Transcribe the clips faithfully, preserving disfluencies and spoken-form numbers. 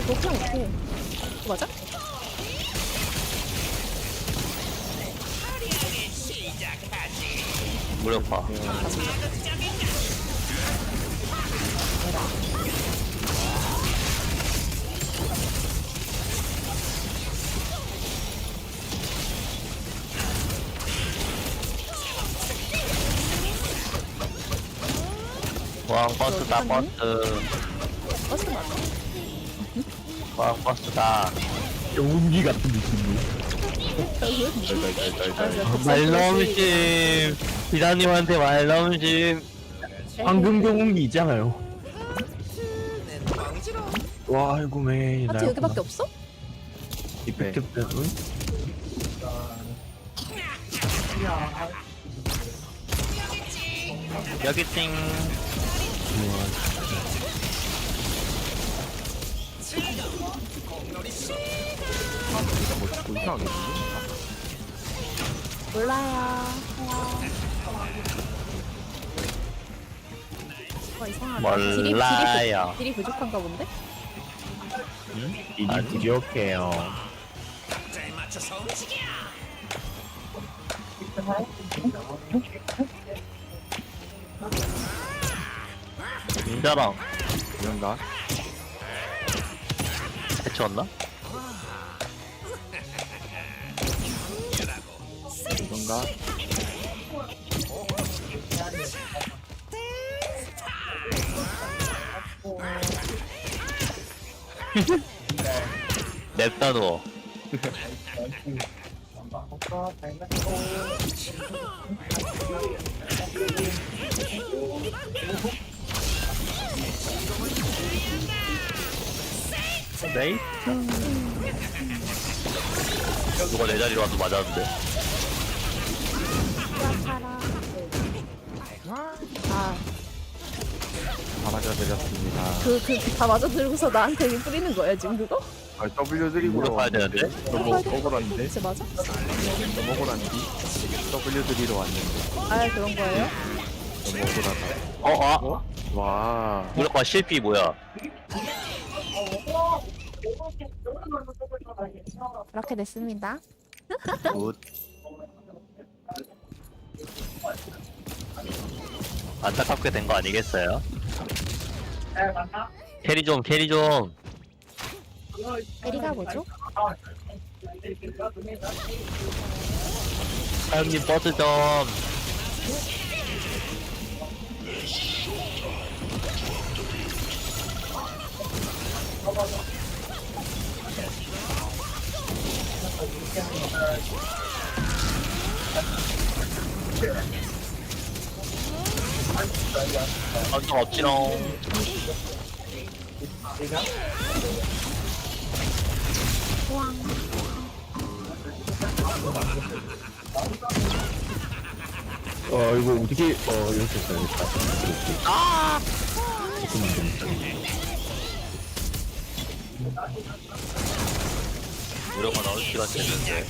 그렇게 못해. 그거 맞아? 무력화. 왕 버스다 버스. 버스 맞아. 왕 버스다. 용기 같은 느낌이. 말넘심. 비라님한테 말넘심. 황금 경운기 있잖아요. 와, 아이고 매. 하트 여기밖에 없어? 이펙트 때문. 여기 띵. 뭐 자꾸 이상하게 몰라요. 와 이상하다. 딜이, 몰라요. 딜이, 부, 딜이 부족한가 본데? 이리 부족해요. 인자랑 이런가? 해치웠나? 이런가? 냅다 누워. 네이? 누가 내 자리로 와서 맞았는데. 아, 다 맞아드렸습니다. 그, 그, 다 맞아 들고서 나한테 여기 뿌리는 거야, 지금 그거? 아, W 드리고로 가야 되는데? 너무 억울한데? 진짜 맞아? 너무 억울한데? W 드리러 왔는데 아, 그런 거예요? 너무 억울하다. 어, 아? 와, 무력화 실비 뭐야? 그렇게 됐습니다. 굿. 안타깝게 된 거 아니겠어요? 캐리 좀, 캐리 좀. 에리가 뭐죠? 사장님 버스 좀. 어좀 없지롱. 어, 이거 어떻게, 어, 이렇게 써야겠다. 이렇게. 아! 조금만 좀. 무력화 나올 시간 됐는데.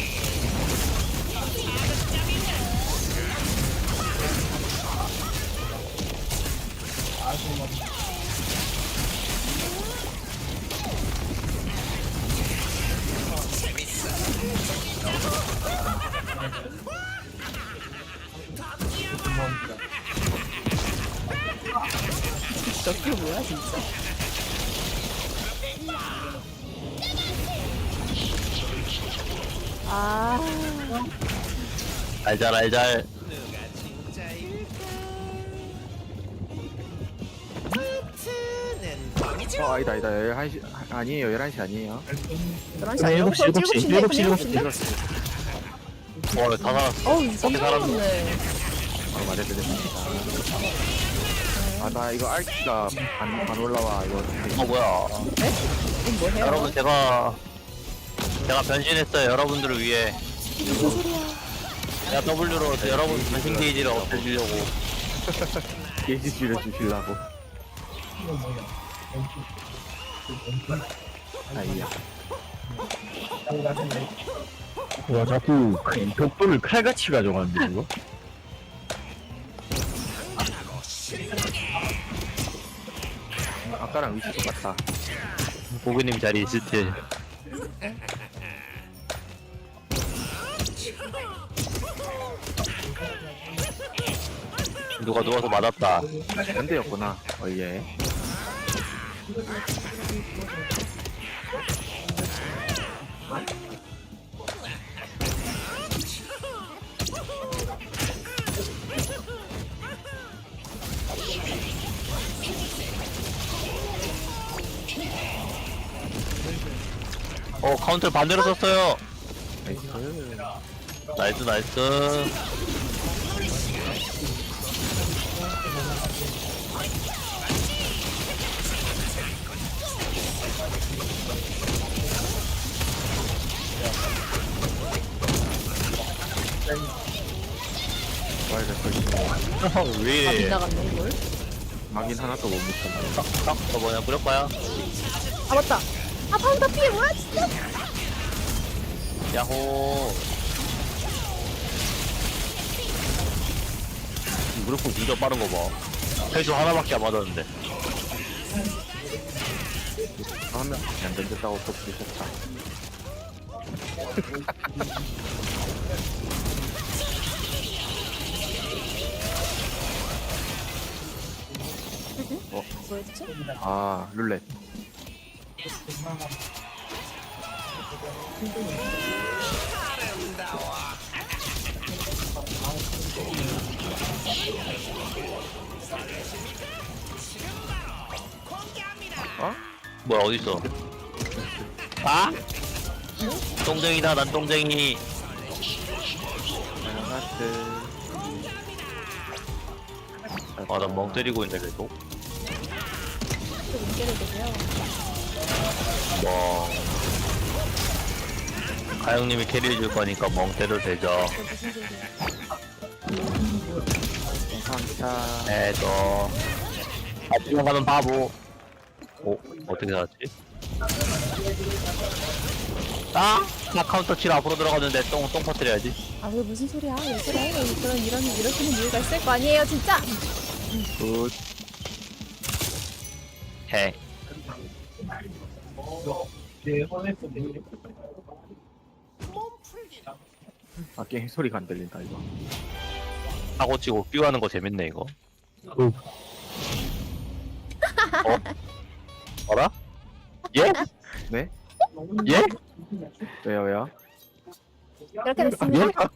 저게 뭐야, 진짜? 아, 알잘 알잘. 어, 아니다, 아니다. 열한 시, 아니에요. 열한 시 아니에요. 열한 시 아니야? 일곱 시, 일곱 시, 일곱 시, 일곱 시, 일곱 시. 와, 다 살았어. 어우, 깜짝 놀랐네. 바로 말해드렸습니다. 아, 나 이거 알기가 안, 안 올라와. 이거. 어, 뭐야. 네? 이건 뭐 해요? 여러분, 제가, 제가 변신했어요. 여러분들을 위해. 무슨 소리야? 제가 W로 여러분 변신 게이지를 없애주려고. 게이지 줄여주시려고. 아이야. 와, 자꾸 벽돌을 칼같이 가져가는데, 이거? 아까랑 위치 똑같다. 고객님 자리 있을 때. 누가 누워서 맞았다. 현대였구나. 어, 예. 어 카운터 반대로 썼어요. 나이스. 나이스 나이스. 와이드 걸 왜 다 이래? 빗나갔네 이걸. 막인 하나도 못 묻혔네. 딱, 저 뭐냐 뿌렸까요? 아 맞다. 아 파운더 피해 뭐야 진짜. 야호. 무릎은 진짜 빠른 거 봐. 헬스 하나밖에 안 맞았는데. 하면 안 던졌다고 또 부르셨다. 뭐였지? 아, 룰렛. 어? 뭐야 어딨어? 아? 똥쟁이다 난 똥쟁이. 하트. 아 난 멍 때리고 있네 계속. 또 문제를 내세요. 멍. 가영님이 캐리해줄 거니까 멍 때려도 되죠. 또 무슨 소리야? 감사합니다. 해줘. 아 들어가는 바보. 오 어떻게 살았지? 아! 나 카운터 치러 앞으로 들어갔는데 똥, 똥 퍼뜨려야지. 아 왜 무슨 소리야? 왜 그래? 그런 이런 이러시는 이유가 있을 거 아니에요 진짜. 굿. 해. 아, 게임 소리가 안 들린다, 이거. 사고 치고 끼워하는 거 재밌네 이거. 어? 어라? 예? 네? 예? 왜요, 왜요? 이렇게 됐습니다.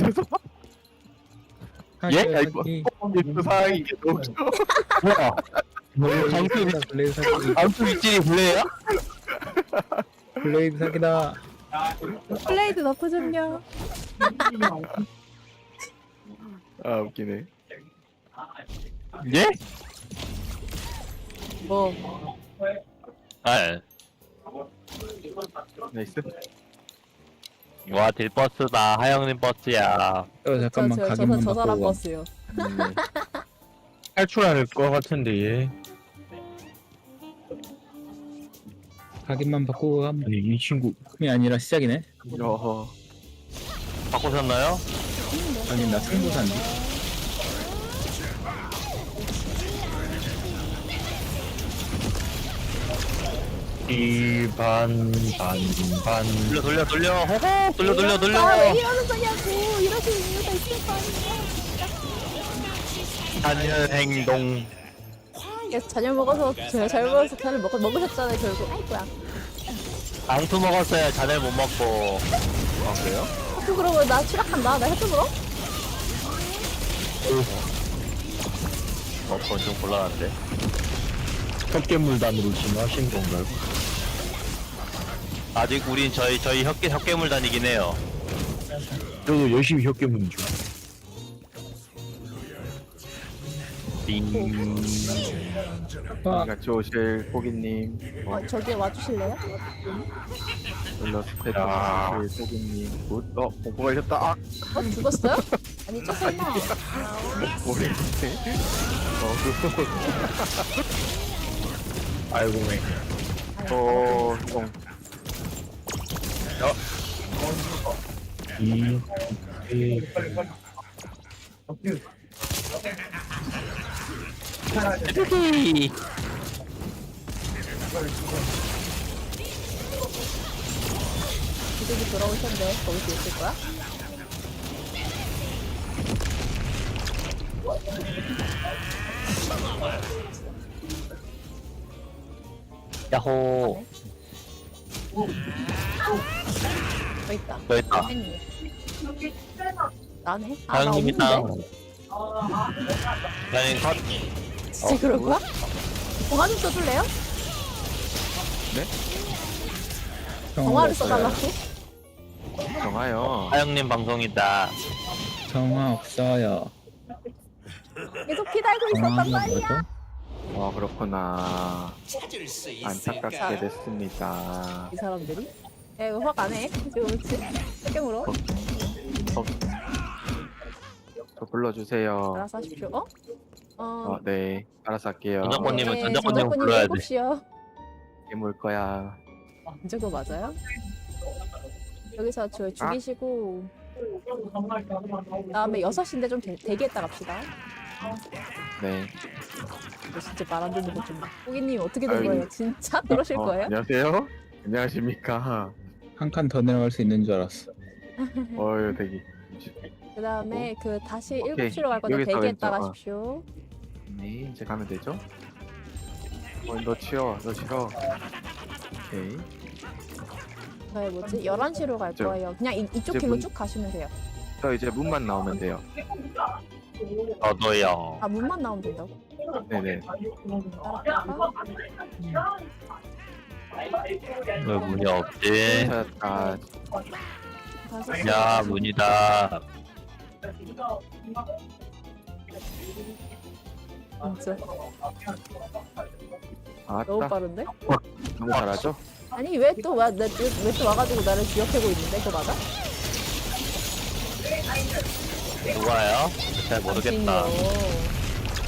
예? 아, 아이고. 그 상황이 이게 너무 뭐야? 강수 블레이드 사기 암수 윗질이 블레야? 블레이드 사기다. 플레이드 너프 좀요. 아, 웃기네. 예? 뭐 아, 나이스. 와 딜버스다. 하영님 버스야. 어 잠깐만 저, 저, 저, 가격만 저 사람 바꾸고 버스요. 음, 네. 탈출할 것 같은데 얘. 가격만 바꾸고 하면 아니 이 친구 금이 아니라 시작이네. 어허. 바꾸셨나요? 아니 나 승부사인데. 이반반반 돌려 돌려 돌려. 호호 돌려 돌려 돌려. 아, 왜 이러는 거냐고. 이러시는 이유가 있을 거 아니야. 단연 행동. 계속 저녁 먹어서 저 잘못 먹어서 저녁 먹 먹으셨잖아요 결국. 아이고야. 앙투 먹었어요. 자네 못 먹고. 아, 그래요? 학교 그러고 나 추락한다. 나 학교 물어? 어, 그건 좀 곤란한데. 헛개물단으로 진화하신 건가요? 아직 우린 저희 저희 혁계 혁괴물 다니긴 해요. 저도 열심히 헛개물 중. 띵. 아, 같이 오실 포기님. 어, 어, 저기 와주실래요? 일러스트레이터 야. 오실 포기님. 굿. 어, 공포 걸렸다. 아, 어 죽었어요? 아니 저 설마. 모르겠네. 어, 그, 아이고 왜. 어, 똥. 이. 이. 뚜기. 이쪽이 돌아올 텐데 거기서 있을 거야? 야호. 여기 있다. 여기 있다. 팬이. 나네? 아, 나 사장님이 없는데? 땅. 사장님 컷. 진짜 그럴 거야? 동화 좀 써줄래요? 정화를 써달라고? 정아요. 사장님 방송이다. 정화 없어요. 계속 기다리고 있었단 정화가 말이야. 뭐죠? 어 그렇구나. 안타깝게 됐습니다. 이 사람들이? 야 이거 확 안 해? 지금 그렇지? 세경으로? 어, 저 불러주세요. 알아서 하십시오. 어? 어... 어, 네, 알아서 할게요. 전작권님은 전작권님 전작권님 불러야 돼. 일곱 시요. 깨물 거야. 이제 그거 맞아요? 여기서 저 죽이시고 다음에 여섯 시인데 좀 대, 대기했다 갑시다. 네. 이거 진짜 말 안 듣는 거좀 호기님 어떻게 된 아이고. 거예요? 진짜 그러실 어, 거예요? 안녕하세요. 안녕하십니까. 한 칸 더 내려갈 수 있는 줄 알았어. 어유 대기. 그 다음에 그 다시 오케이. 일곱 시로 갈 거다 여기서 대기했다 왼쪽, 어. 가십시오. 네, 이제 가면 되죠? 어, 너 치워, 너 치워. 오케이. 저희 뭐지? 열한 시로 갈 저- 거예요. 그냥 이, 이쪽 이제 길로 문- 쭉 가시면 돼요. 저 이제 문만 나오면 돼요. 저도요. 아 문만 나오면 된다고? 네네. 왜 문이 없지? 찾았다. 야 문이다. 진짜 아따. 너무 빠른데? 너무 잘하죠? 아니 왜 또 와, 왜 또 와가지고 나를 기억하고 있는데 그거 맞아? 누가요? 잘 모르겠다. 당신이요.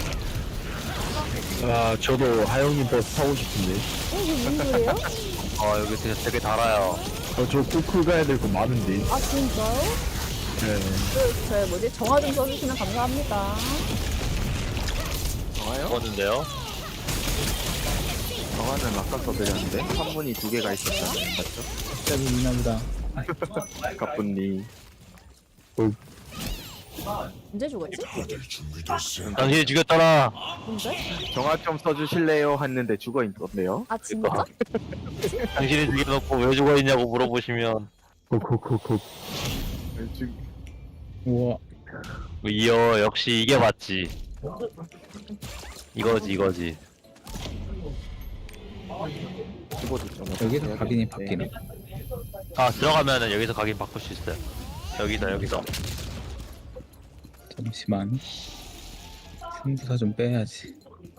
아, 저도 하영이 버스 타고 싶은데. 어 이게 무슨 소리예요? 어 여기 되게, 되게 달아요. 어, 저 코크 가야 될 거 많은데. 아 진짜요? 네. 그, 저 뭐지? 정화 좀 써주시면 감사합니다. 정아요? 먹었는데요? 정아는 아까 써드렸는데 선문이 두 개가 있었잖아요. 맞죠? 갑자기 미나보다. 가뿐니. 언제 죽었지? 당신이 죽였잖아. 언제? 정아 좀 써주실래요? 했는데 죽어 있던데요. 아 진짜? 당신이 죽여놓고 왜 죽어있냐고 물어보시면 콕콕콕콕. 지금 우와. 이어 역시 이게 맞지. 이거지 이거지. 키보드 좀 여기서 각인이 바뀌나? 아 들어가면은 여기서 각인 바꿀 수 있어요. 여기서 여기서. 잠시만. 승부사 좀 빼야지.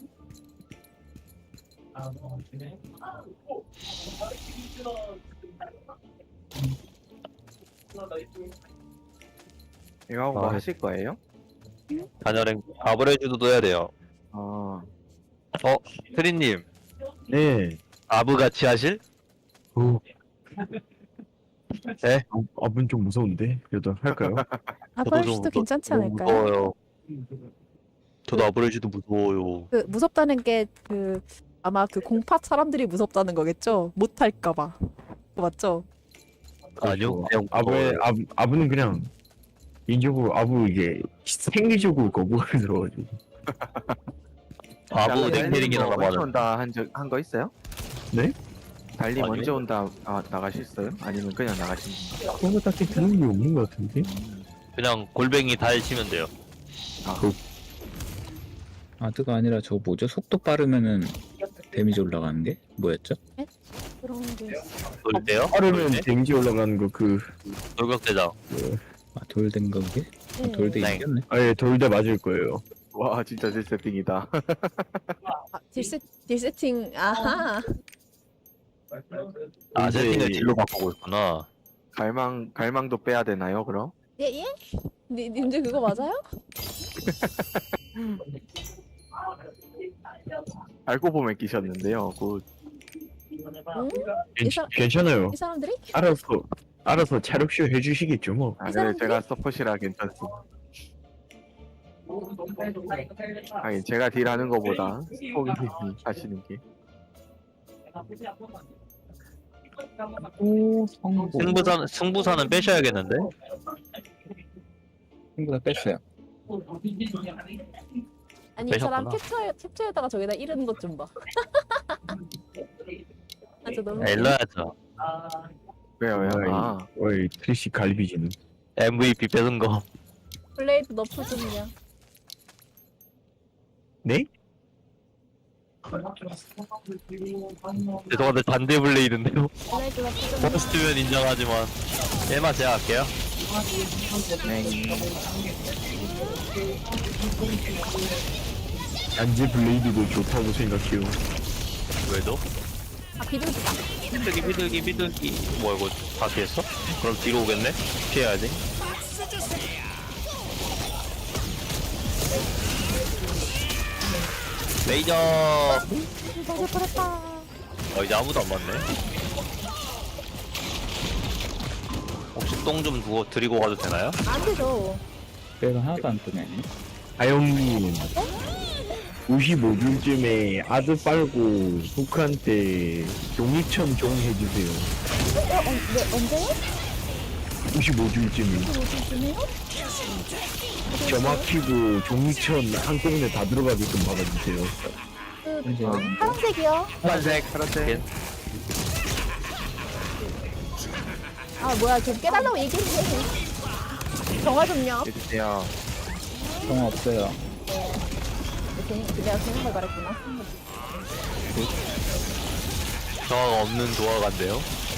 이거 하고 뭐 아. 하실 거예요? 단열행 아브레주도 해야 돼요. 어. 어 트리님 네. 아브 같이 하실? 어, 네? 아, 아분 좀 무서운데. 그래도 할까요? 아버지도 괜찮지 너무 않을까요? 무서워요. 저도 아브레주도 무서워요. 그 무섭다는 게 그 아마 그 공파 사람들이 무섭다는 거겠죠? 못할까봐. 그거 맞죠? 아니요 그냥 아부의 무서워요. 아부 아부는 그냥 인적으로 아부 이게 생리적으로 거부가 들어가지고. 아브 넥테링이라고 먼저 하는. 온다 한적한 거 있어요? 네? 달리 아니요. 먼저 온다 아, 나가셨어요? 아니면 그냥 나가신 건가요? 그런 거 딱히 드는 게 없는 것 같은데. 그냥 골뱅이 달 치면 돼요. 아드가 아니라 저 뭐죠? 속도 빠르면은 데미지 올라가는 게 뭐였죠? 그런 게 돌 때요? 빠르면 데미지 올라가는 거 그 돌격대장. 아 돌된 거 그게? 아, 네. 돌대 네. 이겼네. 아예 돌다 맞을 거예요. 와 진짜 제 세팅이다. 아, 딜세, 딜세팅 아하 아 이제- 세팅을 딜로 바꾸고 있구나. 갈망 갈망도 빼야 되나요 그럼? 예예? 니, 님들 그거 맞아요? 알고 보면 끼셨는데요. 굿. 응? 괜, 이 사람- 괜찮아요. 이 사람들이? 알아서 알아서 차력쇼 해주시겠죠 뭐. 아, 이 네, 사람들이? 제가 서폿이라 괜찮습니다. 아니 제가 딜하는 거보다 포기님이 하시는 게 오 성공. 승부사는 승부사는 빼셔야겠는데. 승부사 뺐어요. 아니 이 사람 빼셨구나. 캡처 캡처에다가 저기다 이르는 것 좀 봐. 아, 저 너무 일러야죠. 왜요 왜요? 아 어이 트리시 갈비지는. 엠브이피 뺏은 거. 블레이드 너프 좀요. 네? 죄송한데 반대 블레이드인데요. 블레이드 너프 좀요. 버스트면 인정하지만 얘만 제가 할게요. 네. 안제 블레이드도 좋다고 생각해요. 왜죠? 아 비둘기다. 비둘기 비둘기 비둘기. 뭐야 이거 다 피했어? 그럼 뒤로 오겠네? 피해야지. 레이저. 이상할 뻔했다. 어 이제 아무도 안 맞네. 혹시 똥 좀 두고 드리고 가도 되나요? 안 되죠. 그래도 하나도 안 뜨네. 아영님 오십오 줄쯤에 아드 빨고 후크한테 종이천 종 해주세요. 어, 어, 네, 언제요? 오십오 줄쯤에 무슨쯤이요? 점막히고 종이천 한꺼번에 다 들어가게끔 박아주세요. 그 이제 파란색이요. 파란색 파란색. 아 뭐야 좀 깨달라고 얘기해. 정화 좀요. 해주세요. 정화 없어요. 네. 괜히 내가 괜히 걸 말했구나. 저가 없는 도화가인데요.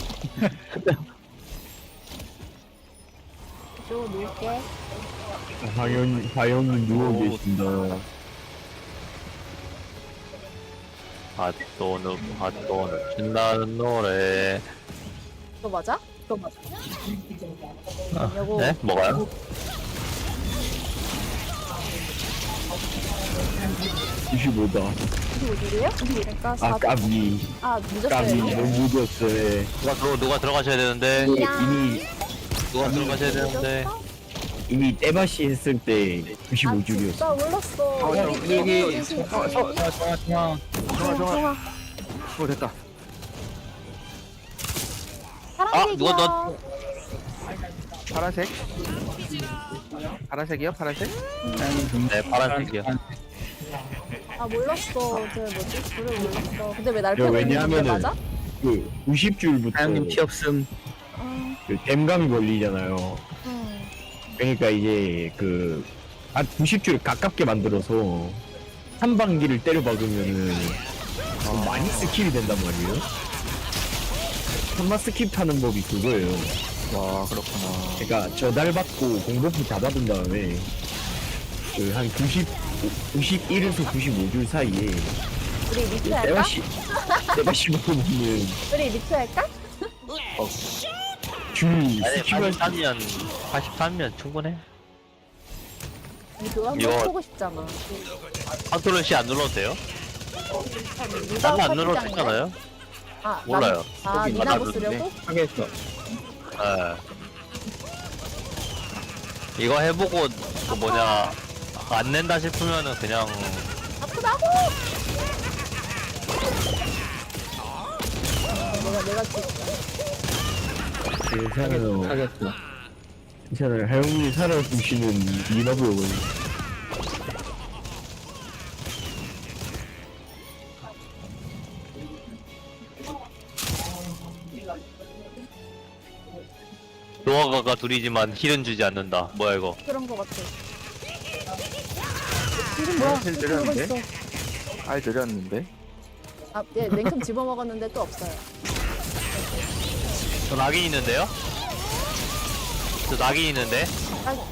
쭉 놓을게. 하영 하영님 누워 오. 계신다. 핫도는 핫도는 신나는 노래. 그거 맞아? 그거 맞아. 요거 네? 뭐가요? 오십오다. 이거 줄이에요? 그러니까 아 사. 까비 아 까비 늦었어요. 너무 늦었어요. 누가 들어 누가 들어가셔야 되는데. 이미 야. 이미 누가 들어가셔야 되는데. 늦었어? 이미 떼바시 했을 때 아 구십오 줄이었어. 진짜 몰랐어. 어, 형, 여기 여기, 여기 여기, 주시. 어, 어, 정화 정화 정화. 정아 정아. 정화. 어 됐다. 파란색이야. 누가 너- 파란색. 파란색이요 파란색? 네 파란색이요. 아 몰랐어. 저 뭐지? 불을 몰랐어. 근데 왜 날 야, 패는 게 왜냐하면은 맞아? 그 구십 줄부터 하영님 피 없음. 어, 그 댐감이 걸리잖아요. 음. 그러니까 이제 그 한 구십 줄 가깝게 만들어서 한 방기를 때려 박으면은 좀 많이 스킵이 된단 말이에요. 한마 스킵하는 법이 그거예요. 와 그렇구나. 그러니까 저달 받고 공격기 다 받은 다음에 그 한 구십, 구십일에서 구십오 줄 사이에 우리 리트 할까? 떼바시 떼바시 먹으면은 우리 리트 할까? 줄 아니 스킵할 수 팔십삼이면 팔십삼이면 충분해. 아니 그거 한번 이거- 보고 싶잖아. 컨트롤 C 안 눌러도 돼요? 누가 나는 안 눌러도 커피장인데? 되잖아요. 아, 몰라요. 아 거기 니나고 나도 쓰려고? 하겠어. 예. 이거 해보고 그 뭐냐 안 낸다 싶으면은 그냥 아프다고! 내가 내가 진짜 괜찮아요. 하겠어. 괜찮아요. 하영이 살아보시는 미나보요. 노아가가 둘이지만 힐은 주지 않는다. 뭐야 이거? 그런 거 같아. 지금 뭐야? 힐 이렇게 누워 드렸는데? 있어. 알 드렸는데. 아, 예, 냉큼 집어먹었는데 또 없어요. 저 낙인 있는데요? 저 낙인 있는데? 아이고.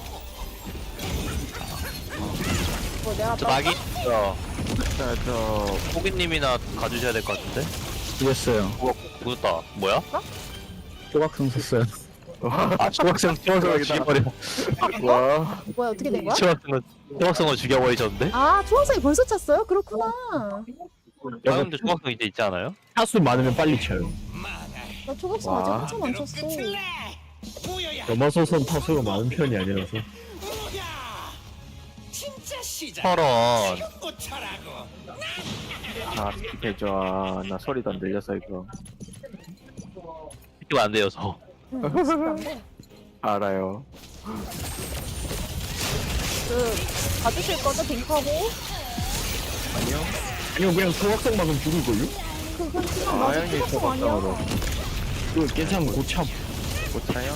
뭐 내가 저 또 낙인 있어. 자저 호기님이나 가주셔야 될 것 같은데? 죽였어요. 죽었다. 뭐야? 조각성 썼어요. 아 초각성 초각성을 죽여버려. 와. 뭐야 어떻게 된 거야? 초각성을 초각성을 죽여버리셨는데? 아 초학생이 벌써 찼어요? 그렇구나. 형님도 초각성 이제 있지 않아요? 타수 많으면 빨리 쳐요. 나 초학생 와. 아직 한참 안 찼어. 넘어서선 타수가 많은 편이 아니라서. 철원. 아 스킵해줘. 아, 나 소리도 안 들려서 이거. 시키면 안 돼요, 저. 응, 신기한데. 알아요. 그 봐주실 거죠 딩크하고? 아니요. 아니면 그냥 소각성 막으면 죽을걸요? 그건 그냥 아, 맞아 형님 피가성 아니야. 소각성으로. 그거 괜찮으면 고참. 못 차요?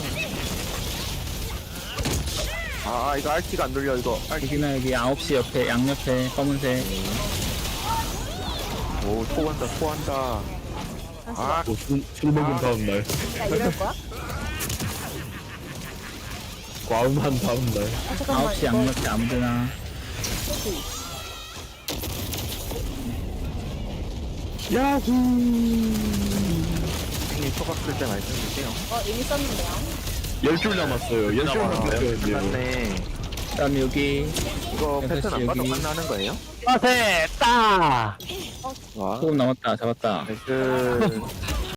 아, 아, 이거 알티가 안 돌려, 이거. 알티. 여기나 여기 아홉 시 옆에 양옆에 검은색. 오, 토한다, 토한다. 아, 또 술, 술 먹은 아. 다음날. 야 이럴 거야? 과음한 다음날. 아 잠깐만. 아홉 시 이거 양옆에 아무데나. 뭐지? 야후. 형님 토각 쓸 때 말씀 주세요. 어 이미 썼는데요. 열 줄 남았어요. 열 줄만 남았어요. 뺏겨야 돼요. 끝났네. 그다음 여기 이거 여섯 패턴 시 안 봐도 여기. 끝나는 거예요? 빠세! 따! 와, 소금 남았다 잡았다. 나이스.